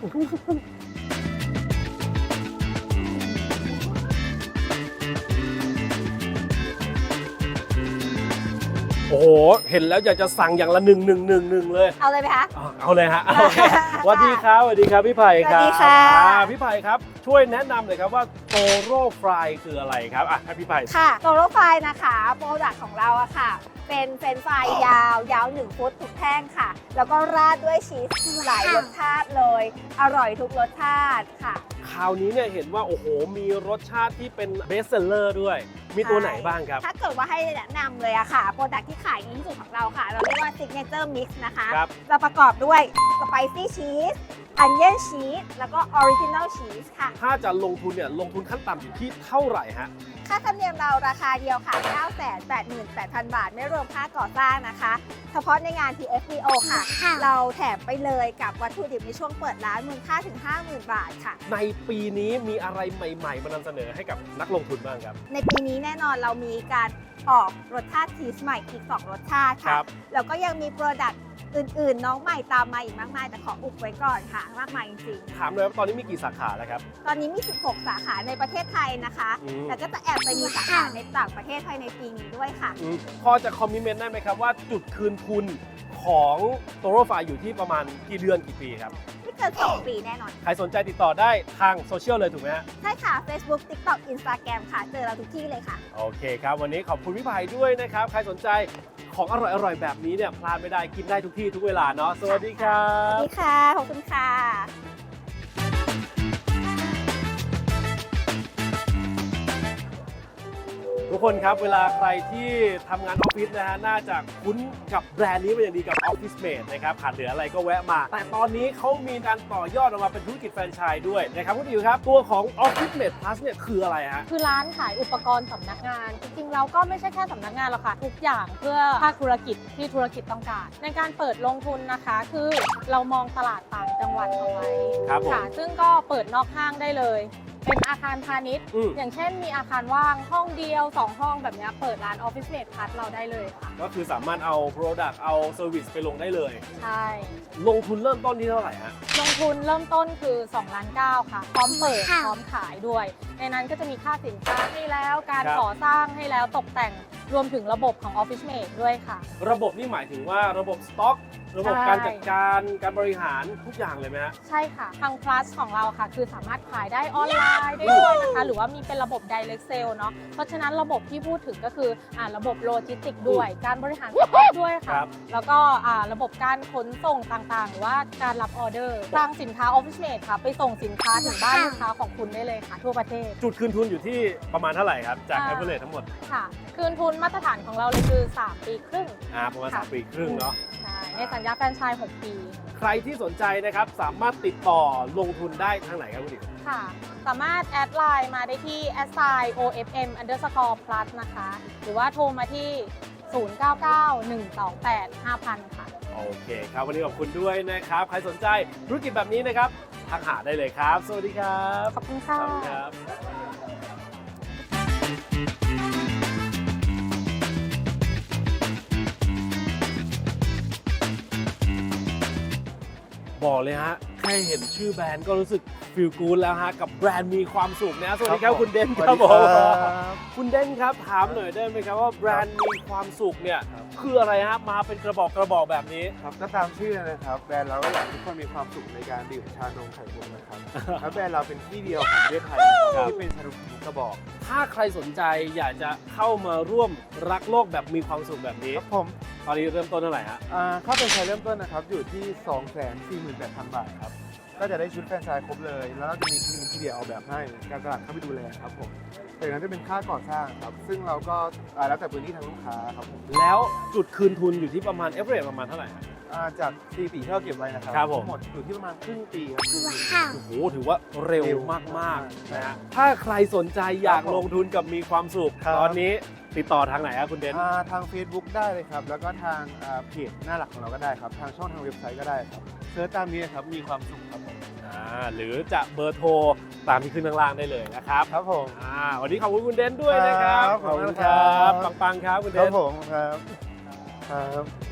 Speaker 1: โอ้โห เห็นแล้วอยากจะสั่งอย่างละ1 เลย
Speaker 2: เอาเลยไหมคะ
Speaker 1: เอาเลยฮะโอเคสวัสดีครับสวัสดีครับพี่ไผ่ครับ
Speaker 2: สวัสดีค่ะ
Speaker 1: พี่ไผ่ครับช่วยแนะนำหน่อยครับว่าโตโร่ฟรายคืออะไรครับอ่ะให้พี่ไผ่
Speaker 8: ค่ะโตโร่ไฟนะคะโปรดักต์ของเราอะค่ะ เป็นเฟรนช์ฟรายยาว1 ฟุตทุกแท่งค่ะ แล้วก็ราดด้วยชีสหลายรสชาติเลย อร่อยทุกรสชาติค่ะ
Speaker 1: คราวนี้เนี่ยเห็นว่าโอ้โหมีรสชาติที่เป็นเบสเซลเลอร์ด้วย มีตัวไหนบ้างครับ
Speaker 8: ถ้าเกิดว่าให้แนะนำเลยอะค่ะ โปรดักต์ที่ขายดีที่สุดของเราค่ะ เราเรียกว่า Signature Mix นะคะ
Speaker 1: ครับ
Speaker 8: จะประกอบด้วยสไปซี่ชีสอันเยนชีสแล้วก็ออริจินัลชีสค่ะ
Speaker 1: ถ้าจะลงทุนเนี่ยลงทุนขั้นต่ำอยู่ที่เท่าไหร่ฮะ
Speaker 8: ค่าธรรมเนียมเราราคาเดียวค่ะ 988,000 บาท ไม่รวมค่าก่อสร้างนะคะ เฉพาะในงาน TFBO ค่ะ เราแถมไปเลยกับวัตถุดิบในช่วงเปิดร้านมูลค่าถึง 50,000 บาทค่ะ
Speaker 1: ในปีนี้มีอะไรใหม่ๆ มานำเสนอให้กับนักลงทุนบ้างครับ
Speaker 8: ในปีนี้แน่นอนเรามีการออกรสชาติชีสใหม่อีก 2 รสชาติ
Speaker 1: ครั
Speaker 8: ค่ะ
Speaker 1: บ
Speaker 8: แล้วก็ยังมีโปรดักต์อื่นๆ น้องใหม่ตามมาอีกมากมาย แต่ขออุบไว้ก่อนค่ะ มากมายจริง
Speaker 1: ถามเลยว่าตอนนี้มีกี่สาขาแล้วครับ
Speaker 8: ๆ ตอนนี้มี 16 สาขาในประเทศไทยนะคะ
Speaker 1: อืม
Speaker 8: แล้วก็จะแอบไปมีสาขาในต่างประเทศภายในปีนี้ด้วยค่ะ
Speaker 1: พอจะคอมมิเมนต์ได้ไหมครับว่าจุดคืนทุนของโตโร่ฟายอยู่ที่ประมาณกี่เดือนกี่ปีครับ
Speaker 8: ไม่เกิน 2 ปีแน่นอน
Speaker 1: ใครสนใจติดต่อได้ทางโซเชียลเลยถูกไหมฮะ
Speaker 8: ใช่ค่ะ Facebook TikTok Instagram ค่ะ เจอเราทุกที่เลยค่ะ
Speaker 1: โอเคครับ วันนี้ขอบคุณพี่ไผ่ด้วยนะครับ ใครสนใจของอร่อยๆ แบบนี้เนี่ยพลาดไม่ได้กินได้ทุกที่ทุกเวลาเนาะสวัสดีครั
Speaker 8: สวัส
Speaker 1: บ
Speaker 8: ดีค่ะ ขอบคุณค่ะ
Speaker 1: ทุกคนครับเวลาใครที่ทำงานออฟฟิศนะฮะน่าจะคุ้นกับแบรนด์นี้เป็นอย่างดีกับ Office Mate นะครับขาดเหลืออะไรก็แวะมา แต่ตอนนี้เขามีการต่อยอดออกมาเป็นธุรกิจแฟรนไชส์ด้วยนะครับคุณดิวครับ ตัวของ Office Mate Plus เนี่ยคืออะไรฮะ
Speaker 9: คือร้านขายอุปกรณ์สำนักงาน จริงๆเราก็ไม่ใช่แค่สำนักงานหรอกค่ะ ทุกอย่างเพื่อภาคธุรกิจที่ธุรกิจต้องการ ในการเปิดลงทุนนะคะ คือเรามองตลาดต่างจังหวัดเอาไว้
Speaker 1: ครับผม
Speaker 9: ค่ะ ซึ่งก็เปิดนอกห้างได้เลยเป็นอาคารพาณิชย์ อย่างเช่นมีอาคารว่างห้องเดียว 2 ห้องแบบเนี้ยเปิดร้าน Office Mate Plus เราได้เลยค่ะ
Speaker 1: ก็คือสามารถเอา Product เอา Service ไปลงได้เลย
Speaker 9: ใช่
Speaker 1: ลงทุนเริ่มต้นที่เท่าไหร่ฮะ
Speaker 9: ลงทุนเริ่มต้นคือ2.9 ล้านค่ะ พร้อมเปิดพร้อมขายด้วย ในนั้นก็จะมีค่าสินค้าให้แล้วการ
Speaker 1: ครับ
Speaker 9: ก่อสร้างให้แล้วตกแต่งรวมถึงระบบของ Office Mate ด้วยค่ะ
Speaker 1: ระบบนี่หมายถึงว่าระบบสต็อก ระบบ
Speaker 9: ใช่
Speaker 1: การจัดการการบริหารทุกอย่างเลยไหมฮะ
Speaker 9: ใช่ค่ะ ทาง Plus ของเราค่ะ คือสามารถขายได้ออนไลน์ได้ด้วยนะคะ หรือว่ามีเป็นระบบ Direct Sale เนาะ เพราะฉะนั้นระบบที่พูดถึงก็คือระบบโลจิสติกด้วย การบริหารสต็อกด้วย
Speaker 1: ครั
Speaker 9: ค่ะ
Speaker 1: บ
Speaker 9: แล้วก็ระบบการขนส่งต่างๆ หรือว่าการรับออเดอร์สร้างสินค้า Office Mate ค่ะ ไปส่งสินค้าถึงบ้านลูกค้าของคุณได้เลยค่ะ ทั่วประเทศ
Speaker 1: จุดคืนทุนอยู่ที่ประมาณเท่าไหร่ครับ จาก
Speaker 9: อ่า
Speaker 1: average ทั้งหมด
Speaker 9: ค่ะ คืนทุนมาตรฐานของเราเลยคือ 3 ปีครึ่ง
Speaker 1: ประมาณ
Speaker 9: ค่ะ
Speaker 1: 3 ปีครึ่งเนาะ
Speaker 9: ใช่ ในสัญญาแฟรนไชส์ 6 ปี
Speaker 1: ใครที่สนใจนะครับ สามารถติดต่อลงทุนได้ทางไหนครับคุณดิ
Speaker 9: ค่ะ สามารถแอดไลน์มาได้ที่ @ofm_plus นะคะ หรือว่าโทรมาที่ 0991285000 ค่ะ
Speaker 1: โอเคครับ วันนี้ขอบคุณด้วยนะครับ ใครสนใจธุรกิจแบบนี้นะครับทักหาได้เลยครับ สวัสดีครับ
Speaker 9: ขอบคุณค่ะ
Speaker 1: ขอบคุณครับ บอกเลยฮะ แค่เห็นชื่อแบรนด์ก็รู้สึกฟีลกู๊ดแล้วฮะ กับแบรนด์มีความสุขนะสวัสดีครับคุณเดนครับผมคุณเดนครับถามหน่อยได้ไหมครับว่าแบรนด์มีความสุขเนี่ยคืออะไรฮะมาเป็นกระบอกแบบนี้
Speaker 10: ครับก็ตามชื่อนะครับแบรนด์เราก็อยากให้ทุกคนมีความสุขในการดื่มชานมไข่มุกนะครับ แล้วแบรนด์เราเป็นที่เดียวของประเทศไทยนะครับที่เป็นชานมทุกกระบอก
Speaker 1: ถ้าใครสนใจอยากจะเข้ามาร่วมรักโลกแบบมีความสุขแบบนี้
Speaker 10: ครับผม
Speaker 1: ตอนนี้เริ่มต้นเท่าไหร่ฮะ
Speaker 10: ค่าแฟรนไชส์เริ่มต้นนะครับอยู่ที่ 248,000 บาทครับก็จะได้ชุดแฟรนไชส์ครบเลย แล้วก็จะมีทีมที่เดียวออกแบบให้การตลาดเข้าไปดูแลครับผมจากนั้นจะเป็นค่าก่อสร้างครับซึ่งเราก็แล้วแต่พื้นที่ทางลูกค้าครับผม
Speaker 1: แล้วจุดคืนทุนอยู่ที่ประมาณ average ประมาณเท่าไหร่ฮะ
Speaker 10: จาก4 ปีที่เราเก็บไว้นะครับ
Speaker 1: ครับผม
Speaker 10: ทั้งหมดอยู่ที่ประมาณครึ่งปีครับ
Speaker 1: โอ้โหถือว่าเร็วมากๆนะฮะถ้าใครสนใจอยากลงทุนกับมีความสุข
Speaker 10: ครับ
Speaker 1: ตอนนี้ติดต่อทางไหนครับคุณเดน
Speaker 10: ทาง Facebook ได้เลยครับ แล้วก็ทางเพจหน้าหลักของเราก็ได้ครับ ทางช่องทางเว็บไซต์ก็ได้ครับเซิร์ชตามนี้ครับมีความสุขครับผม
Speaker 1: หรือจะเบอร์โทรตามที่ขึ้นข้างล่างได้เลยนะครับ
Speaker 10: ครับผม
Speaker 1: วันนี้ขอบคุณคุณเดนด้วยนะครับ
Speaker 10: ครับ
Speaker 1: ขอบคุณ
Speaker 10: ขอบคุณ
Speaker 1: ค
Speaker 10: ครั
Speaker 1: รับ บปังๆครับคุณเด
Speaker 10: ครับ
Speaker 1: น
Speaker 10: ผมครับครับ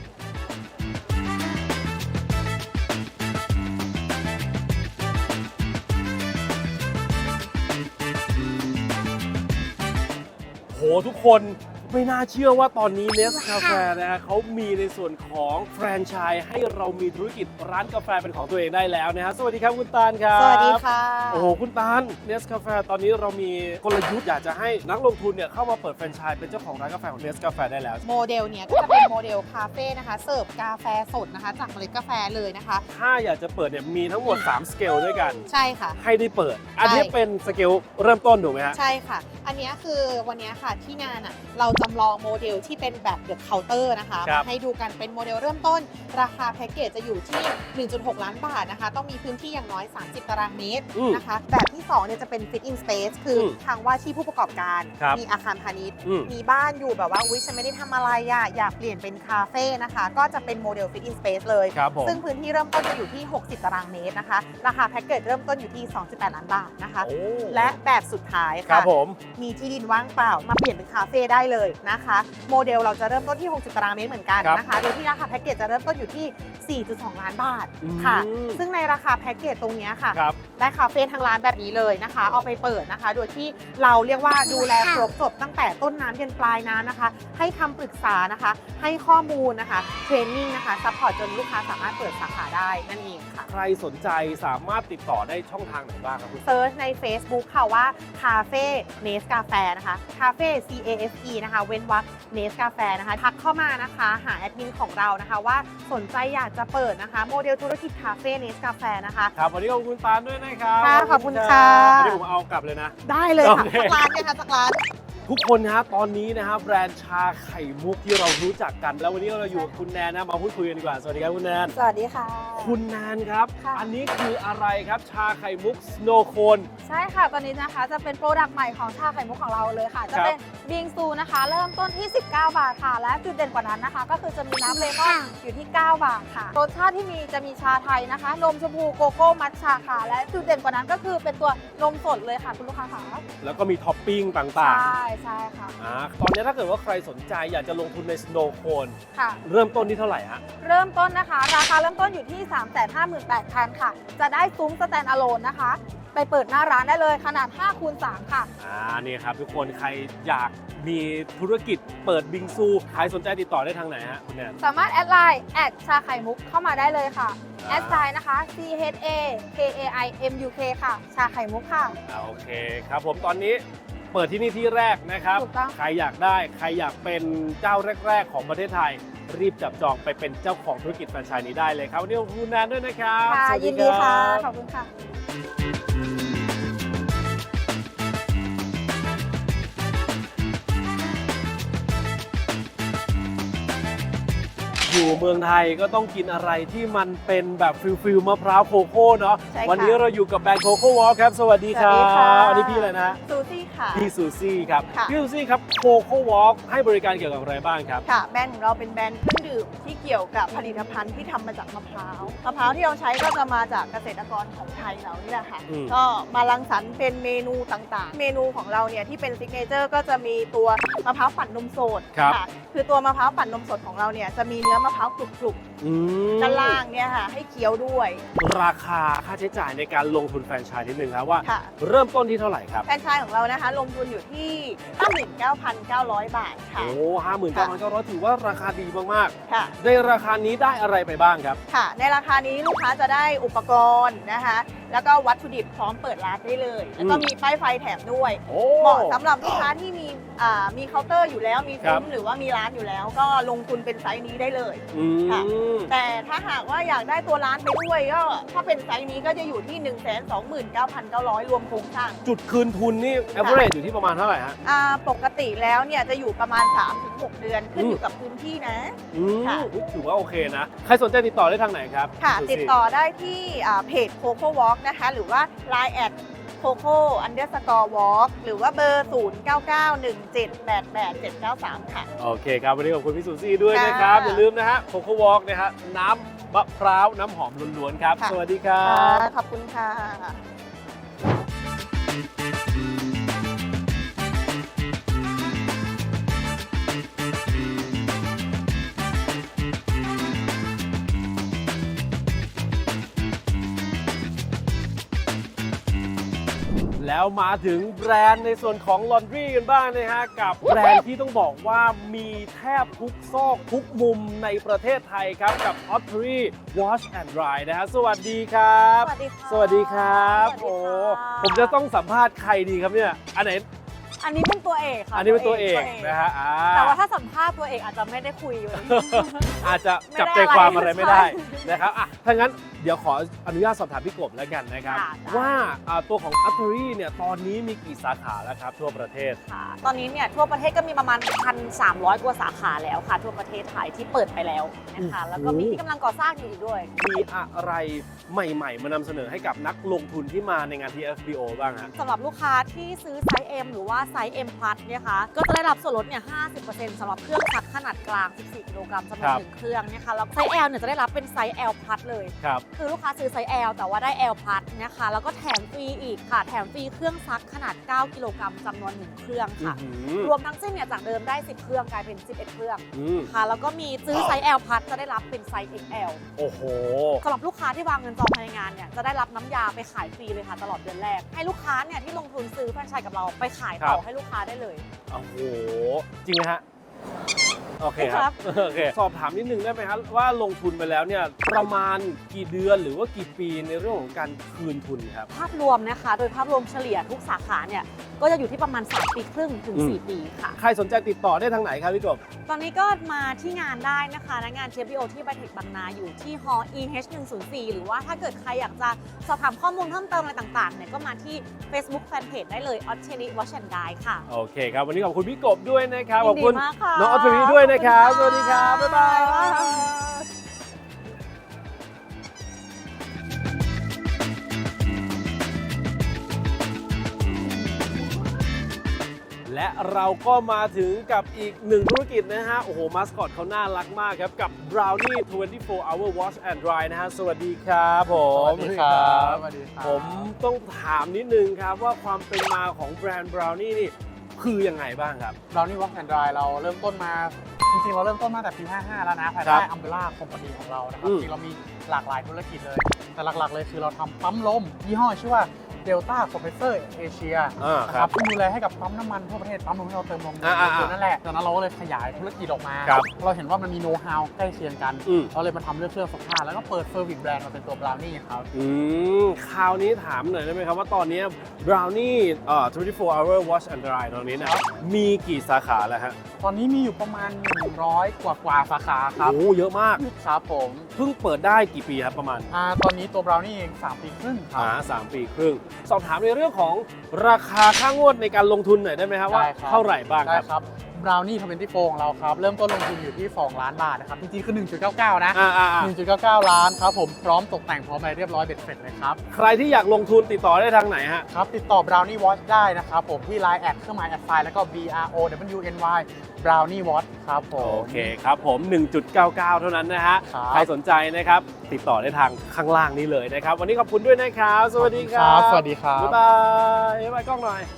Speaker 1: โหทุกคนไม่น่าเชื่อว่าตอนนี้เนสกาแฟนะฮะเขามีในส่วนของแฟรนไชส์ให้เรามีธุรกิจร้านกาแฟเป็นของตัวเองได้แล้วนะฮะสวัสดีครับคุณตาลครับ
Speaker 2: สวัสดีค่ะ
Speaker 1: โอ้โหคุณตาลเนสกาแฟตอนนี้เรามีกลยุทธ์อยากจะให้นักลงทุนเนี่ยเข้ามาเปิดแฟรนไชส์เป็นเจ้าของร้านกาแฟของเนสกาแฟได้แล้ว
Speaker 2: โมเดลเนี้ยก็จะเป็นโมเดลคาเฟ่นะคะ เสิร์ฟกาแฟสดนะคะ จากเมล็ดกาแฟเลยนะคะ
Speaker 1: ถ้าอยากจะเปิดเนี่ยมีทั้งหมด3สเกลด้วยกัน
Speaker 2: ใช่ค่ะ
Speaker 1: ให้ได้เปิด อันนี้เป็นสเกลเริ่มต้นถูกไหมฮะ
Speaker 2: ใช่ค่ะ อันเนี้ยคือวันเนี้ยค่ะที่งานอ่ะเราจำลองโมเดลที่เป็นแบบเดอะเคาน์เตอร์นะคะ
Speaker 1: ครับ
Speaker 2: มาให้ดูกันเป็นโมเดลเริ่มต้น ราคาแพ็กเกจจะอยู่ที่ 1.6 ล้านบาทนะคะ ต้องมีพื้นที่อย่างน้อย 30 ตารางเมตรนะคะ แบบที่2เนี่ยจะเป็น Fit in Space คืออทางว่าที่ผู้ประกอบการ
Speaker 1: ครับ
Speaker 2: มีอาคารพาณิชย์
Speaker 1: อืม
Speaker 2: มีบ้านอยู่แบบว่าอุ๊ยฉันไม่ได้ทำอะไรอ่ะอยากเปลี่ยนเป็นคาเฟ่นะคะ ก็จะเป็นโมเดล Fit in Space เลย
Speaker 1: ครับผม
Speaker 2: ซึ่งพื้นที่เริ่มต้นจะอยู่ที่ 60 ตารางเมตรนะคะ ราคาแพ็กเกจเริ่มต้นอยู่ที่ 2.8 ล้านบาทนะคะ
Speaker 1: โอ้
Speaker 2: และแบบสุดท้าย
Speaker 1: ครั
Speaker 2: ค่ะ
Speaker 1: บผม
Speaker 2: มีที่ดินว่างเปล่ามาเปลี่ยนเป็นคาเฟ่ได้เลยนะคะ โมเดลเราจะเริ่มต้นที่ 60 ตารางเมตรเหมือนกันนะคะ โดยที่ราคาแพ็กเกจจะเริ่มต้นอยู่ที่ 4.2 ล้านบาทค่ะ ซึ่งในราคาแพ็กเกจตรงเนี้ยค่ะ
Speaker 1: ครับ
Speaker 2: ได้คาเฟ่ทางร้านแบบนี้เลยนะคะ เอาไปเปิดนะคะ โดยที่เราเรียกว่าดูแลครบจบตั้งแต่ต้นน้ำยันปลายน้ำนะคะ ให้คำปรึกษานะคะ ให้ข้อมูลนะคะ เทรนนิ่งนะคะ ซัพพอร์ตจนลูกค้าสามารถเปิดสาขาได้นั่นเองค่ะ
Speaker 1: ใครสนใจสามารถติดต่อได้ช่องทางไหนบ้างครับคุณ
Speaker 2: เซิร์ชใน Facebook ค่ะว่าคาเฟ่เนสกาแฟนะคะคาเฟ่ CAFE นะคะเว้นวรรคเนสกาแฟนะคะทักเข้ามานะคะหาแอดมินของเรานะคะว่าสนใจอยากจะเปิดนะคะ โมเดลธุรกิจคาเฟ่เนสกาแฟนะคะ
Speaker 1: ครับวันนี้ขอบคุณตาลด้วยนะครับ
Speaker 2: ค่ะขอบคุณค่ะ
Speaker 1: วันนี้ผมเอากลับเลยนะ
Speaker 2: ได้เลยค่ะ
Speaker 1: โอเค
Speaker 2: สักร้านเนี่ยค่ะสักร้าน
Speaker 1: ทุกคนนะฮะตอนนี้นะฮะแบรนด์ชาไข่มุกที่เรารู้จักกัน แล้ววันนี้เราอยู่กับคุณแนนนะมาพูดคุยกันดีกว่าสวัสดีครับคุณแนน
Speaker 8: สวัสดีค่ะ
Speaker 1: คุณแนนครับ
Speaker 8: ค่ะ
Speaker 1: อันนี้คืออะไรครับชาไข่มุก Snow Cone
Speaker 6: ใช่ค่ะ ตอนนี้นะคะจะเป็นโปรดักต์ใหม่ของชาไข่มุกของเราเลยค่ะ จะเป็นบิงซูนะคะ เริ่มต้นที่ 19 บาทค่ะ และจุดเด่นกว่านั้นนะคะ ก็คือจะมีน้ำเลมอนอยู่ที่ 9 บาทค่ะ รสชาติที่มีจะมีชาไทยนะคะ นมชมพูโกโก้มัทฉะค่ะ และจุดเด่นกว่านั้นก็คือเป็นตัวนมสดเลยค่ะคุณลูกค้าค่ะ
Speaker 1: แล้วก็มีท็อปปิ้งต่าง
Speaker 6: ใช่ใช่ค่ะ
Speaker 1: ๆตอนนี้ถ้าเกิดว่าใครสนใจอยากจะลงทุนใน Snow Cone
Speaker 6: ค่ะ
Speaker 1: เริ่มต้นที่เท่าไหร่ฮะ
Speaker 6: เริ่มต้นนะคะ ราคาเริ่มต้นอยู่ที่ 358,000 ค่ะ จะได้ซุ้มสแตนด์อะโลนนะคะ ไปเปิดหน้าร้านได้เลยขนาด 5x3 ค่ะ
Speaker 1: นี่ครับทุกคนใครอยากมีธุรกิจเปิดบิงซูใครสนใจติดต่อได้ทางไหนฮะคุณแนน
Speaker 6: สามารถแอดไลน์แอดชาไข่มุกเข้ามาได้เลยค่ะ แอดไซน์นะคะ CHAKAIMUK ค่ะ ชาไข่มุกค่ะ
Speaker 1: โอเคครับผมตอนนี้เปิดที่นี่ที่แรกนะครับ
Speaker 6: ถูกต้อง
Speaker 1: ใครอยากได้ใครอยากเป็นเจ้าแรก ๆ ของประเทศไทย รีบจับจองไปเป็นเจ้าของธุรกิจแฟรนไชส์นี้ได้เลยครับวันนี้ขอบคุณแนนด้วยนะครับ
Speaker 6: ค่ะ
Speaker 1: สวัส
Speaker 6: ยินดีค่ะ
Speaker 1: รับ
Speaker 6: ขอบคุณค่ะ
Speaker 1: อยู่เมืองไทยก็ต้องกินอะไรที่มันเป็นแบบฟิลมะพร้าวโคโค่เนาะ
Speaker 2: ใช่ค่ะ
Speaker 1: วันนี้เราอยู่กับแบรนด์โคโค่วอลครับสวัสดีครั
Speaker 2: สวัสดีค่ะ
Speaker 1: บอันนี้พี่อะไรนะ
Speaker 2: ซูซี่ค่ะ
Speaker 1: พี่ซูซี่ครับ
Speaker 2: ค่ะ
Speaker 1: พี่ซูซี่ครับโคโค่วอลให้บริการเกี่ยวกับอะไรบ้างครับ
Speaker 2: ค่ะแบรนด์ของเราเป็นแบรนด์เครื่องดื่มที่เกี่ยวกับผลิตภัณฑ์ที่ทำมาจากมะพร้าวมะพร้าวที่เราใช้ก็จะมาจากเกษตรกรของไทยเรานี่แหละค่ะ
Speaker 1: อืม
Speaker 2: ก็มารังสรรค์เป็นเมนูต่างๆ เมนูของเราเนี่ยที่เป็นซิกเนเจอร์ก็จะมีตัวมะพร้าวปั่นนมสด
Speaker 1: ครับ
Speaker 2: ค่ะคือตัวมะพร้าวปั่นนมสดของเราเนี่ยจะมีเนื้อมะพร้าวกรุบ
Speaker 1: อืม
Speaker 2: ๆด้านล่างเนี่ยค่ะให้เคี้ยวด้วย
Speaker 1: ราคาค่าใช้จ่ายในการลงทุนแฟรนไชส์นิดนึงครับว่า
Speaker 2: ค่ะ
Speaker 1: เริ่มต้นที่เท่าไหร่ครับ
Speaker 2: แฟรนไชส์ของเรานะคะลงทุนอยู่ที่ 59,900 บาทค่ะ
Speaker 1: โอ้59,900ถือว่าราคาดีมาก
Speaker 2: ค่ะ
Speaker 1: ๆ ในราคานี้ได้อะไรไปบ้างครับ
Speaker 2: ค่ะ ในราคานี้ลูกค้าจะได้อุปกรณ์นะคะ แล้วก็วัตถุดิบพร้อมเปิดร้านได้เลย แล้วก็มีป้ายไฟแถมด้วย
Speaker 1: โอ้
Speaker 2: เหมาะสำหรับลูกค้าที่มีเคาน์เตอร์อยู่แล้ว มี
Speaker 1: ครั
Speaker 2: ซุ้
Speaker 1: บ
Speaker 2: มหรือว่ามีร้านอยู่แล้ว ก็ลงทุนเป็นไซส์นี้ได้เลย
Speaker 1: อื
Speaker 2: ค่ะ
Speaker 1: ม
Speaker 2: แต่ถ้าหากว่าอยากได้ตัวร้านไปด้วยก็ถ้าเป็นไซส์นี้ก็จะอยู่ที่ 129,900 รวมโครงสร้าง
Speaker 1: จุดคืนทุนนี่ average อยู่ที่ประมาณเท่าไหร่ฮะ
Speaker 2: ปกติแล้วเนี่ยจะอยู่ประมาณ 3-6 เดือนขึ้นอยู่กับพื้นที่นะ
Speaker 1: อืม
Speaker 2: ค่ะ
Speaker 1: ถือว่าโอเคนะ ใครสนใจติดต่อได้ทางไหนครับ
Speaker 2: ค่ะ
Speaker 1: ซูซี่
Speaker 2: ติดต่อได้ที่เพจ Coco Walk นะคะ หรือว่า Line แอด Coco _ Walk หรือว่าเบอร์ 0991788793 ค่ะ
Speaker 1: โอเคครับ วันนี้ขอบคุณพี่ซูซี่ด้วย
Speaker 2: ค่ะ
Speaker 1: นะครับ อย่าลืมนะฮะโคโค่วอล์กนะฮะน้ำมะพร้าวน้ำหอมล้วนๆครับ
Speaker 2: ค่ะ
Speaker 1: สวัสดีครั
Speaker 2: ค่ะ
Speaker 1: บ
Speaker 2: ขอบคุณค่ะ
Speaker 1: แล้วมาถึงแบรนด์ในส่วนของลอนดรีกันบ้างนะฮะ กับแบรนด์ที่ต้องบอกว่ามีแทบทุกซอกทุกมุมในประเทศไทยครับ กับ Ottery Wash and Dry นะฮะ สวัสดีครับ
Speaker 6: สวัสดีค่ะ
Speaker 1: สวัสดีครับ
Speaker 6: สวัสดีค่ะ
Speaker 1: โอ้ผมจะต้องสัมภาษณ์ใครดีครับเนี่ย อันไหน
Speaker 9: อันนี้เป็นตัวเอกค่ะ
Speaker 1: อันนี้เป็นตัวเอกนะฮะอ่า
Speaker 9: แต่ว่าถ้าสัมภาษณ์ตัวเอกอาจจะไม่ได้คุยอยู่
Speaker 1: อาจจะจับใจ
Speaker 9: ไม่ได้
Speaker 1: ความอะไรไม่ได้
Speaker 9: ใช่
Speaker 1: นะครับอ่ะถ้างั้นเดี๋ยวขออนุญาตสอบถามพี่กบแล้วกันนะครับ
Speaker 9: ค่ะได้
Speaker 1: ว่าตัวของ Ottery เนี่ยตอนนี้มีกี่สาขาแล้วครับทั่วประเทศ
Speaker 5: ค่ะตอนนี้เนี่ยทั่วประเทศก็มีประมาณ 1,300 กว่าสาขาแล้วค่ะ ทั่วประเทศไทยที่เปิดไปแล้วนะคะ แล้วก็มีที่กำลังก่อสร้างอยู่อีกด้วย
Speaker 1: มีอะไรใหม่ๆ มานำเสนอให้กับนักลงทุนที่มาในงาน TFBO บ้างฮะ
Speaker 5: สำหรับลูกค้าที่ซื้อไซส์ M หรือว่าไซส์ M Plus เนี่ยค่ะก็จะได้รับส่วนลดเนี่ย 50% สำหรับเครื่องซักขนาดกลาง 14 กิโลกรัมจำนว
Speaker 1: ครั
Speaker 5: น
Speaker 1: บ
Speaker 5: 1เครื่องนะคะแล้วไซส์ L เนี่ยจะได้รับเป็นไซส์ L Plus เลย
Speaker 1: ครับ
Speaker 5: คือลูกค้าซื้อไซส์ L แต่ว่าได้ L Plus นะคะแล้วก็แถมฟรีอีกค่ะ แถมฟรีเครื่องซักขนาด 9 กิโลกรัมจำนวน 1 เครื่องค่ะ
Speaker 1: อื้อหือ
Speaker 5: รวมทั้งสิ้นเนี่ยจากเดิมได้ 10 เครื่องกลายเป็น 11 เครื่อง
Speaker 1: อืม
Speaker 5: ค่ะแล้วก็มีซื้อไซส์ L Plus จะได้รับเป็นไซส์ XL
Speaker 1: โอ้โห
Speaker 5: สำหรับลูกค้าที่วางเงินจองภายในงานเนี่ยจะได้รับน้ำยาไปขายฟรีเลยค่ะตลอดเดือนแรก ให้ลูกค้าเนี่ยที่ลงทุนซื้อแฟรนไชส์กับเราไปขายต่อ
Speaker 1: ครับ
Speaker 5: ให้ลูกค้าได้เลย
Speaker 1: โอ้โห จริงไหมฮะโอเคครับโอเคสอบถามนิดนึงได้ไหมครับว่าลงทุนไปแล้วเนี่ยประมาณกี่เดือนหรือว่ากี่ปีในเรื่องของการคืนทุนครับ
Speaker 5: ภาพรวมนะคะ โดยภาพรวมเฉลี่ยทุกสาขาเนี่ยก็จะอยู่ที่ประมาณ3 ปีครึ่งถึง 4 ปีค่ะ
Speaker 1: ใครสนใจติดต่อได้ทางไหนครับพี่กบ
Speaker 5: ตอนนี้ก็มาที่งานได้นะคะณงาน TFBO ที่ Bytech บางนาอยู่ที่ Hall EH104 หรือว่าถ้าเกิดใครอยากจะสอบถามข้อมูลเพิ่มเติมอะไรต่างๆเนี่ยก็มาที่ Facebook Fanpage ได้เลย Otteri Watch and Guide ค่ะ
Speaker 1: โอเคครับวันนี้ขอบคุณพี่กบด้วยนะครับ
Speaker 5: ยิ
Speaker 1: ขอบ
Speaker 5: นดี
Speaker 1: คุณ
Speaker 5: มากค่ะ
Speaker 1: น้องออตรีด้วยนะครับ
Speaker 5: ข
Speaker 1: ส
Speaker 5: อบคุณค่ะ
Speaker 1: วัสดีครับบ๊ายบาย
Speaker 5: บ๊ายบาย
Speaker 1: และเราก็มาถึงกับอีกหนึ่งธุรกิจนะฮะ โอ้โห มาสคอตเขาน่ารักมากครับ กับ Brownie 24 Hour Wash and Dry นะฮะ สวัสดีครับผม
Speaker 10: สวัสดีครับสวัสดีครับ
Speaker 1: ผมต้องถามนิดนึงครับว่าความเป็นมาของแบรนด์ Brownie นี่คือยังไงบ้างครับ
Speaker 11: เรานี่ Wash and Dry เราเริ่มต้นมาจริงๆเราเริ่มต้นมาแต่ปี 55 แล้วนะภาย
Speaker 1: ครั
Speaker 11: ใต้
Speaker 1: บ
Speaker 11: Umbrella Company ของเรานะครับ
Speaker 1: อืม
Speaker 11: จริงๆเรามีหลากหลายธุรกิจเลย แต่หลักๆเลยคือเราทำปั๊มลมยี่ห้อชื่อว่า Delta Compressor Asia นะ
Speaker 1: ค
Speaker 11: ค
Speaker 1: รั
Speaker 11: รั
Speaker 1: บบ
Speaker 11: ซึ่งดูแลให้กับปั๊มน้ำมันทั่วประเทศปั๊มลมที่เราเติมลม
Speaker 1: อ่าๆ
Speaker 11: นั่นแหละจากนั้นเราก็เลยขยายธุรกิจออกมา
Speaker 1: ครับ
Speaker 11: เราเห็นว่ามันมีโน้ตฮาวใกล้เคียงกัน
Speaker 1: อืม
Speaker 11: เราเลยมาทำเรื่องเครื่องซักผ้าแล้วก็เปิดเซอร์วิสแบรนด์มาเป็นตัว Brownie ครับ
Speaker 1: คราวนี้ถามหน่อยได้ไหมครับว่าตอนนี้ Brownie 24 Hour Wash and Dry ตรงนี้นะครับมีกี่สาขาแล้วฮะ
Speaker 11: ตอนนี้มีอยู่ประมาณ 100 กว่าสาขาครับ
Speaker 1: โอ้เยอะมาก
Speaker 11: ครับผม
Speaker 1: เพิ่งเปิดได้กี่ปีครับประมาณ
Speaker 11: ตอนนี้ตัว Brownie เอง3 ปีครึ่งครับ
Speaker 1: 3 ปีครึ่ง สอบถามในเรื่องของราคาค่างวดในการลงทุนหน่อยได้ไหมครับว่า
Speaker 11: ได้ครับ
Speaker 1: เท่าไหร่บ้างครับ
Speaker 11: ได้ครับ Brownie 24 ของเราครับ เริ่มต้นลงทุนอยู่ที่ 2 ล้านบาทนะครับ จริงๆ คือ 1.99 นะ 1.99 ล้านครับผม พร้อมตกแต่งพร้อมอะไรเรียบร้อยเบ็ดเสร็จเลยครับ
Speaker 1: ใครที่อยากลงทุนติดต่อได้ทางไหนฮะ
Speaker 11: ครับ ติดต่อ Brownie Watch ได้นะครับผมที่ Line แอดเครื่องหมายแอดไซน์แล้วก็ BROWNY Brownie Watch ครับผม
Speaker 1: โอเคครับผม 1.99 เท่านั้นนะฮะ
Speaker 11: ครับ
Speaker 1: ใครสนใจนะครับ ติดต่อได้ทางข้างล่างนี้เลยนะครับ วันนี้ขอบคุณด้วยนะครับ สวัสดีครับ
Speaker 11: สวัสดีครับ
Speaker 1: บ๊ายบาย บ๊ายบายกล้องหน่อย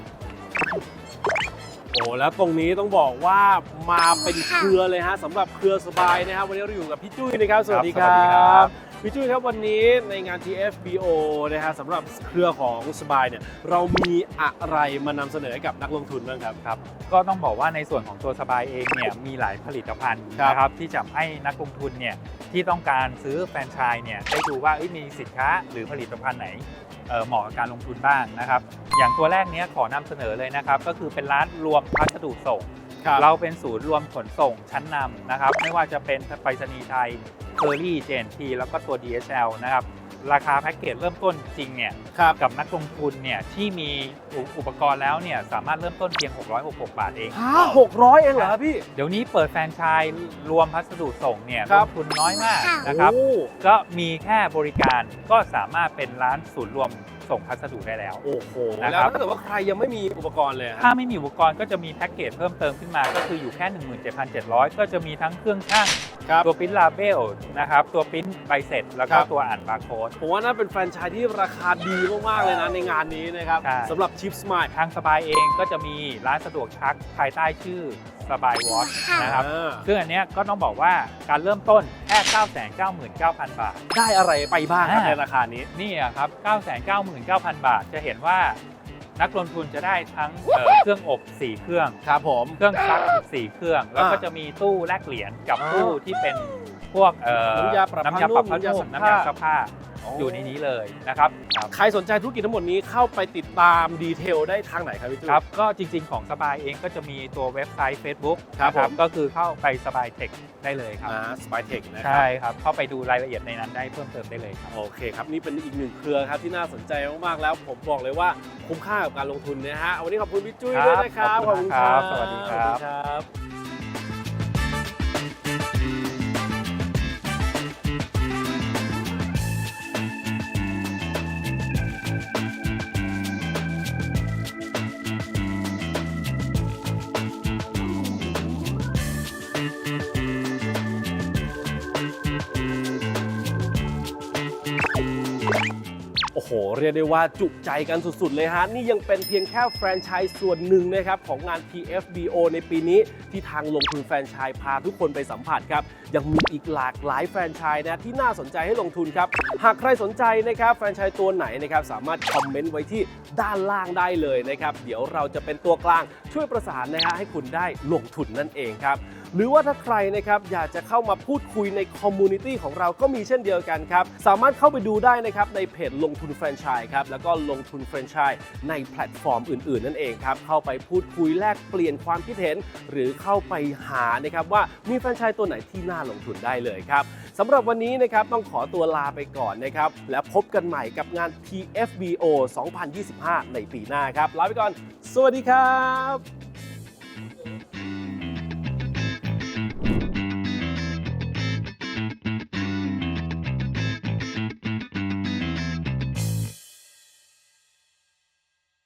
Speaker 1: โอ้แล้วตรงนี้ต้องบอกว่ามาเป็นเครือเลยฮะสำหรับเครือสบายนะครับวันนี้เราอยู่กับพี่จุ้ยนะครับ สวัสดีค
Speaker 3: สวัสดีครั
Speaker 1: รับบ พี่จุ้ยครับวันนี้ในงาน TFBO นะฮะสำหรับเครือของสบายเนี่ยเรามีอะไรมานำเสนอให้กับนักลงทุนบ้างครับ
Speaker 3: ครับก็ต้องบอกว่าในส่วนของตัวสบายเองเนี่ยมีหลายผลิตภัณฑ์
Speaker 1: ครับ
Speaker 3: นะครับที่จะให้นักลงทุนเนี่ยที่ต้องการซื้อแฟรนไชส์เนี่ยได้ดูว่ามีสินค้าหรือผลิตภัณฑ์ไหนเหมาะกับการลงทุนบ้างนะครับอย่างตัวแรกเนี้ยขอนำเสนอเลยนะครับก็คือเป็นร้านรวมพัสดุส่ง
Speaker 1: ครับ
Speaker 3: เราเป็นศูนย์รวมขนส่งชั้นนำนะครับไม่ว่าจะเป็นไปรษณีย์ไทยเคอรี่ JNT แล้วก็ตัว DHL นะครับราคาแพ็กเกจเริ่มต้นจริงเนี่ย
Speaker 1: ครับ
Speaker 3: กับนักลงทุนเนี่ยที่มีอุปกรณ์แล้วเนี่ยสามารถเริ่มต้นเพียง666 บาทเอง
Speaker 1: 600 เองเหรอครับพี่
Speaker 3: เดี๋ยวนี้เปิดแฟรนไชส์รวมพัสดุส่งเนี่ย
Speaker 1: ครั
Speaker 3: ล
Speaker 1: บ
Speaker 3: งทุนน้อยมากนะครับ
Speaker 1: โอ้
Speaker 3: ก็มีแค่บริการก็สามารถเป็นร้านศูนย์รวมส่งพัสดุได้แล้ว
Speaker 1: โอ้โห
Speaker 3: นะ
Speaker 1: แล้
Speaker 3: ครั
Speaker 1: ว
Speaker 3: บ
Speaker 1: ถ้าเกิดว่าใครยังไม่มีอุปกรณ์เลยฮะ
Speaker 3: ถ้าไม่มีอุปกรณ์ก็จะมีแพ็กเกจเพิ่มเติมขึ้นมาก็คืออยู่แค่ 17,700 ก็จะมีทั้งเครื่องช่าง
Speaker 1: ครับ
Speaker 3: ตัวปริ้นลาเบลนะครับตัวปริ้นใบเสร็จแล้วก็
Speaker 1: ครับ
Speaker 3: ตัวอ่านบาร์โค้ด
Speaker 1: ผมว่าน่าเป็นแฟรนไชส์ที่ราคาดีมาก ๆ เลยนะในงานนี้นะครับ
Speaker 3: ใช่
Speaker 1: สำหรับชิปสมาย
Speaker 3: ทางสบายเองก็จะมีร้านสะดวกซักภายใต้ชื่อสบายวอชนะครับซึ่งอันเนี้ยก็ต้องบอกว่าการเริ่มต้นแค่ 999,000 บาท
Speaker 1: ได้อะไรไปบ้างครับ
Speaker 3: อ่า
Speaker 1: ในราคานี้
Speaker 3: นี่อะครับ 999,000 บาท จะเห็นว่านักลงทุนจะได้ทั้งเครื่องอบ 4 เครื่อง
Speaker 1: ครับผม
Speaker 3: เครื่องซักอีก4 เครื่อง แล้วก็จะมีตู้แลกเหรียญกับตู้ที่เป็นพวก
Speaker 1: น้ำยาปรับผ้านุ่ม
Speaker 3: ผ้านุ่ม
Speaker 1: น้ำ
Speaker 3: น้ำ
Speaker 1: ยาย
Speaker 3: าซักผ้าอยู่ในนี้เลยนะครับ
Speaker 1: ใครสนใจธุรกิจทั้งหมดนี้เข้าไปติดตามดีเทลได้ทางไหนครับพี่ตุ้ย
Speaker 3: ครับก็จริงๆของสบายเองก็จะมีตัวเว็บไซต์ Facebook
Speaker 1: ครับ
Speaker 3: นะ
Speaker 1: ผม
Speaker 3: ก็คือเข้าไปสบายเทคได้เลยครับ
Speaker 1: สปายเทคนะครั
Speaker 3: ใช่ครับเข้าไปดูรายละเอียดในนั้นได้เพิ่มเติมได้เลยครับ
Speaker 1: โอเคครับ นี่เป็นอีกหนึ่งเครือครับที่น่าสนใจมาก ๆ แล้วผมบอกเลยว่าคุ้มค่ากับการลงทุนนะฮะวันนี้ขอบคุณพี่จุ้ยด้วยนะครับ
Speaker 3: ขอบคุณครับสวัสดีครับ
Speaker 1: สวัสดีครับ โอ้โห เรียกได้ว่าจุใจกันสุดๆเลยฮะ นี่ยังเป็นเพียงแค่แฟรนไชส์ส่วนหนึ่งนะครับของงาน TFBO ในปีนี้ที่ทางลงทุนแฟรนไชส์พาทุกคนไปสัมผัสครับ ยังมีอีกหลากหลายแฟรนไชส์นะที่น่าสนใจให้ลงทุนครับ หากใครสนใจนะครับแฟรนไชส์ตัวไหนนะครับสามารถคอมเมนต์ไว้ที่ด้านล่างได้เลยนะครับ เดี๋ยวเราจะเป็นตัวกลางช่วยประสานนะฮะให้คุณได้ลงทุนนั่นเองครับหรือว่าถ้าใครนะครับอยากจะเข้ามาพูดคุยในคอมมูนิตี้ของเราก็มีเช่นเดียวกันครับสามารถเข้าไปดูได้นะครับในเพจลงทุนแฟรนไชส์ครับแล้วก็ลงทุนแฟรนไชส์ในแพลตฟอร์มอื่นๆนั่นเองครับเข้าไปพูดคุยแลกเปลี่ยนความคิดเห็นหรือเข้าไปหานะครับว่ามีแฟรนไชส์ตัวไหนที่น่าลงทุนได้เลยครับสำหรับวันนี้นะครับต้องขอตัวลาไปก่อนนะครับและพบกันใหม่กับงาน TFBO 2025 ในปีหน้าครับลาไปก่อนสวัสดีครับ